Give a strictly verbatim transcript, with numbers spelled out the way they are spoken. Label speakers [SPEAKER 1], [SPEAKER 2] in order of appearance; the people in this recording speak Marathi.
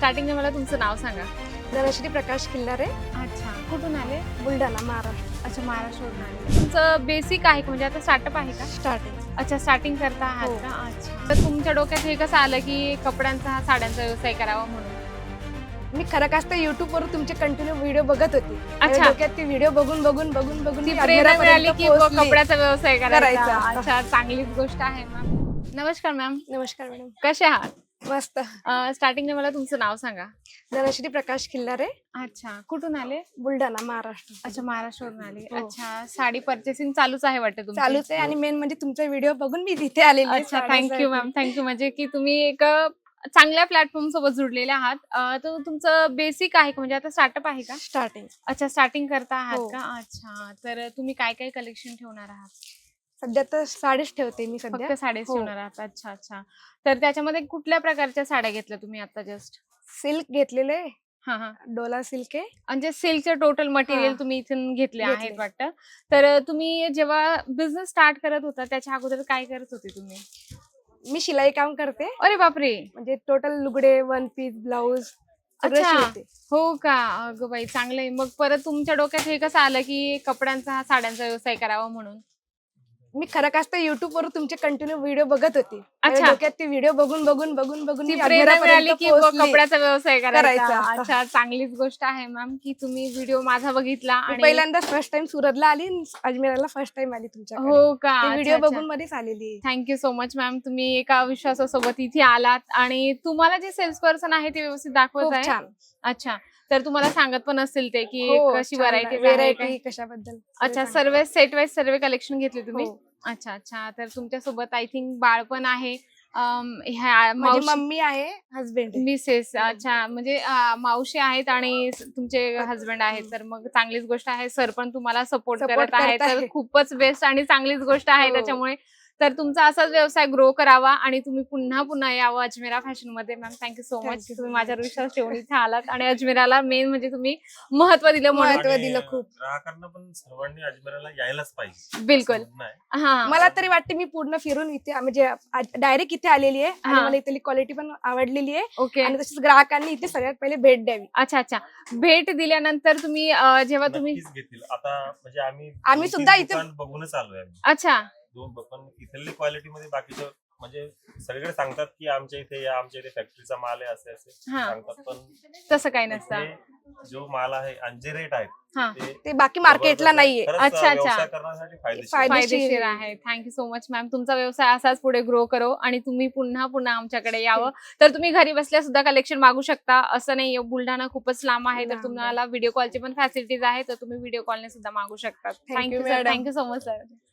[SPEAKER 1] स्टार्टिंगला मला तुमचं नाव सांगा.
[SPEAKER 2] धनश्री प्रकाश किल्लारे.
[SPEAKER 1] अच्छा, कुठून आले?
[SPEAKER 2] बुलढाणा, महाराष्ट्र.
[SPEAKER 1] अच्छा, महाराष्ट्रावरून आले. तुमचं बेसिक आहे का, म्हणजे आता स्टार्टअप आहे का?
[SPEAKER 2] स्टार्टिंग.
[SPEAKER 1] अच्छा, स्टार्टिंग करता आहात
[SPEAKER 2] हो.
[SPEAKER 1] का? अच्छा, तर तुमच्या डोक्यात हे कसं आलं की कपड्यांचा हा साड्यांचा व्यवसाय करावा म्हणून?
[SPEAKER 2] मी खरं कसं युट्यूबवर तुमचे कंटिन्यू व्हिडिओ बघत होती. आणि
[SPEAKER 1] अच्छा.
[SPEAKER 2] डोक्यात ते व्हिडिओ बघून बघून बघून बघून
[SPEAKER 1] ती
[SPEAKER 2] मी
[SPEAKER 1] प्रेरणा मिळाली
[SPEAKER 2] अजमेरापर्यंत
[SPEAKER 1] की ब-
[SPEAKER 2] पोहोचली.
[SPEAKER 1] कपड्याचा व्यवसाय करायचा.
[SPEAKER 2] करायचा.
[SPEAKER 1] अच्छा, चांगलीच गोष्ट आहे मॅम. नमस्कार मॅम,
[SPEAKER 2] नमस्कार मॅडम.
[SPEAKER 1] कसे आहात?
[SPEAKER 2] मस्त.
[SPEAKER 1] स्टार्टिंगला मला तुमचं नाव सांगा.
[SPEAKER 2] धनश्री प्रकाश किल्लारे.
[SPEAKER 1] अच्छा, कुठून आले?
[SPEAKER 2] बुलढाणा, महाराष्ट्र.
[SPEAKER 1] अच्छा, महाराष्ट्रावरून आले.
[SPEAKER 2] हो.
[SPEAKER 1] अच्छा, साडी पर्चेसिंग चालूच आहे वाटतं तुमचं?
[SPEAKER 2] चालूच आहे आणि मेन म्हणजे तुमचा व्हिडिओ बघून मी तिथे आलेली आहे
[SPEAKER 1] अच्छा,
[SPEAKER 2] साड्यासाठी.
[SPEAKER 1] Thank you ma'am, thank you. म्हणजे की तुम्ही एक अ, चांगल्या प्लॅटफॉर्म सोबत जुडलेले आहात. अ, तर तुमचं बेसिक आहे का, म्हणजे आता स्टार्टअप आहे का?
[SPEAKER 2] स्टार्टिंग.
[SPEAKER 1] अच्छा, स्टार्टिंग करता आहात
[SPEAKER 2] हो.
[SPEAKER 1] का? अच्छा, तर तुम्ही काय काय कलेक्शन ठेवणार आहात?
[SPEAKER 2] सध्या तर साडीच ठेवते मी सध्या.
[SPEAKER 1] फक्त साडीच
[SPEAKER 2] हो.
[SPEAKER 1] ठेवणार आहात. अच्छा अच्छा, तर त्याच्यामध्ये कुठल्या प्रकारच्या साड्या घेतल्या तुम्ही आता जस्ट?
[SPEAKER 2] सिल्क घेतलेले,
[SPEAKER 1] हा हा,
[SPEAKER 2] डोला सिल्क आहे.
[SPEAKER 1] म्हणजे सिल्कचे टोटल मटेरियल
[SPEAKER 2] हा.
[SPEAKER 1] तुम्ही इथून घेतले
[SPEAKER 2] घेतले.
[SPEAKER 1] आहेत वाटतं. तर तुम्ही जेव्हा बिझनेस स्टार्ट करत होता त्याच्या अगोदर काय करत होते तुम्ही?
[SPEAKER 2] मी शिलाई काम करते.
[SPEAKER 1] अरे बापरे,
[SPEAKER 2] म्हणजे टोटल लुगडे, वन पीस, ब्लाऊज
[SPEAKER 1] अच्छा.
[SPEAKER 2] शिवते.
[SPEAKER 1] हो का? अगं बाई, चांगलंय. मग परत तुमच्या डोक्यात हे कसं आलं की कपड्यांचा हा साड्यांचा व्यवसाय करावा म्हणून?
[SPEAKER 2] मी खरं कसं युट्यूबवर तुमचे कंटिन्यू व्हिडिओ बघत होती. आणि
[SPEAKER 1] अच्छा.
[SPEAKER 2] डोक्यात ते व्हिडिओ बघून बघून बघून बघून
[SPEAKER 1] ती
[SPEAKER 2] मी
[SPEAKER 1] प्रेरणा मिळाली
[SPEAKER 2] अजमेरापर्यंत
[SPEAKER 1] की ब-
[SPEAKER 2] पोहोचली.
[SPEAKER 1] कपड्याचा व्यवसाय करायचा.
[SPEAKER 2] करायचा.
[SPEAKER 1] अच्छा, चांगलीच गोष्ट आहे मॅम की तुम्ही व्हिडिओ माझा बघितला
[SPEAKER 2] मी
[SPEAKER 1] आणि
[SPEAKER 2] पहिल्यांदा फर्स्ट टाइम सुरतला आली आणि अजमेराला फर्स्ट टाइम आली तुमच्याकडे.
[SPEAKER 1] हो का?
[SPEAKER 2] ते व्हिडिओ
[SPEAKER 1] अच्छा,
[SPEAKER 2] बघून मध्येच आलेली.
[SPEAKER 1] Thank you so much ma'am. तुम्ही एका विश्वासासोबत इथे आलात आणि तुम्हाला जे सेल्स पर्सन आहे ते व्यवस्थित दाखवत
[SPEAKER 2] खूप
[SPEAKER 1] आहे.
[SPEAKER 2] छान.
[SPEAKER 1] अच्छा, तर तुम्हाला सांगत पण असतील ते की
[SPEAKER 2] हो,
[SPEAKER 1] कशी
[SPEAKER 2] छान.
[SPEAKER 1] व्हरायटी
[SPEAKER 2] व्हेरायटी कशाबद्दल.
[SPEAKER 1] अच्छा, सर्व सेट वाईज सर्व कलेक्शन घेतले तुम्ही?
[SPEAKER 2] हो.
[SPEAKER 1] अच्छा अच्छा, तर तुमच्यासोबत आय थिंक बाळ पण आहे. अम, ह्या
[SPEAKER 2] माझी
[SPEAKER 1] मावशी,
[SPEAKER 2] मम्मी आहे, हसबेंड.
[SPEAKER 1] मिसेस. अच्छा, म्हणजे अं, मावशी आहेत आणि स- तुमचे
[SPEAKER 2] हं.
[SPEAKER 1] हस्बंड आहेत, तर मग चांगलीच गोष्ट आहे. सर पण तुम्हाला सपोर्ट
[SPEAKER 2] Support
[SPEAKER 1] करत आहेत,
[SPEAKER 2] करत
[SPEAKER 1] तर
[SPEAKER 2] आहे.
[SPEAKER 1] खूपच बेस्ट आणि चांगलीच गोष्ट आहे.
[SPEAKER 2] हो.
[SPEAKER 1] त्याच्यामुळे तर तुमचा असाच व्यवसाय ग्रो करावा आणि तुम्ही पुन्हा पुन्हा यावं अजमेरा फॅशन मध्ये. Ma'am, thank you so
[SPEAKER 2] Thank
[SPEAKER 1] much.
[SPEAKER 2] you so
[SPEAKER 1] तुम्ही माझ्यावर
[SPEAKER 2] much.
[SPEAKER 1] विश्वास ठेवून इथे आलात आणि अजमेराला मेन म्हणजे तुम्ही महत्व दिलं म्हणून.
[SPEAKER 2] महत्व
[SPEAKER 3] आणि
[SPEAKER 2] दिलं खूप.
[SPEAKER 3] ग्राहकांना पण सर्वांनी अजमेराला यायलाच पाहिजे.
[SPEAKER 1] बिलकुल.
[SPEAKER 3] असं म्हणणं आहे.
[SPEAKER 1] हा,
[SPEAKER 2] मला तरी वाटते मी पूर्ण फिरून इथे म्हणजे डायरेक्ट इथे आलेली आहे आणि
[SPEAKER 1] हा.
[SPEAKER 2] मला इथली क्वालिटी पण आवडलेली आहे.
[SPEAKER 1] ओके.
[SPEAKER 2] आणि तसेच ग्राहकांनी इथे सगळ्यात पहिले भेट द्यावी.
[SPEAKER 1] अच्छा अच्छा, भेट दिल्यानंतर तुम्ही अं, जेव्हा तुम्ही
[SPEAKER 3] नक्कीच घेतील. आता म्हणजे आम्ही
[SPEAKER 2] आम्ही
[SPEAKER 3] दोन-तीन
[SPEAKER 2] सुद्धा इथे-
[SPEAKER 3] दुकान बघूनच आलोय आम्ही.
[SPEAKER 1] अच्छा
[SPEAKER 3] दोन पण इथली क्वालिटी मध्ये बाकीचं म्हणजे सगळीकडे सांगतात की आमच्या इथे या, आमच्या इथे फॅक्टरीचा माल आहे असे असे
[SPEAKER 1] हा.
[SPEAKER 3] सांगतात, पण
[SPEAKER 1] तसं काही नसतं.
[SPEAKER 3] इथे जो माल आहे आणि जे रेट आहेत
[SPEAKER 1] हा,
[SPEAKER 2] ते बाकी मार्केटला
[SPEAKER 3] जबरदस्त आहे.
[SPEAKER 2] नाहीये.
[SPEAKER 3] खरंच
[SPEAKER 1] अच्छा, अच्छा.
[SPEAKER 3] व्यवसाय करण्यासाठी फायदेशीर आहे.
[SPEAKER 2] फायदेशीर
[SPEAKER 1] फायदेशीर आहे. Thank you so much ma'am. तुमचा व्यवसाय असाच पुढे ग्रो करो आणि तुम्ही पुन्हा पुन्हा आमच्याकडे यावं. तर तुम्ही घरी बसल्या सुद्धा कलेक्शन मागू शकता. असं नाही, बुलढाणा खूपच लांब आहे, तर
[SPEAKER 2] लांब आहे.
[SPEAKER 1] तुम्हाला व्हिडिओ कॉलची पण फॅसिलिटीज आहे, तर तुम्ही व्हिडिओ कॉलने सुद्धा मागू शकता.
[SPEAKER 2] Thank you,
[SPEAKER 1] thank you sir,
[SPEAKER 2] madam.
[SPEAKER 1] Thank you so much sir.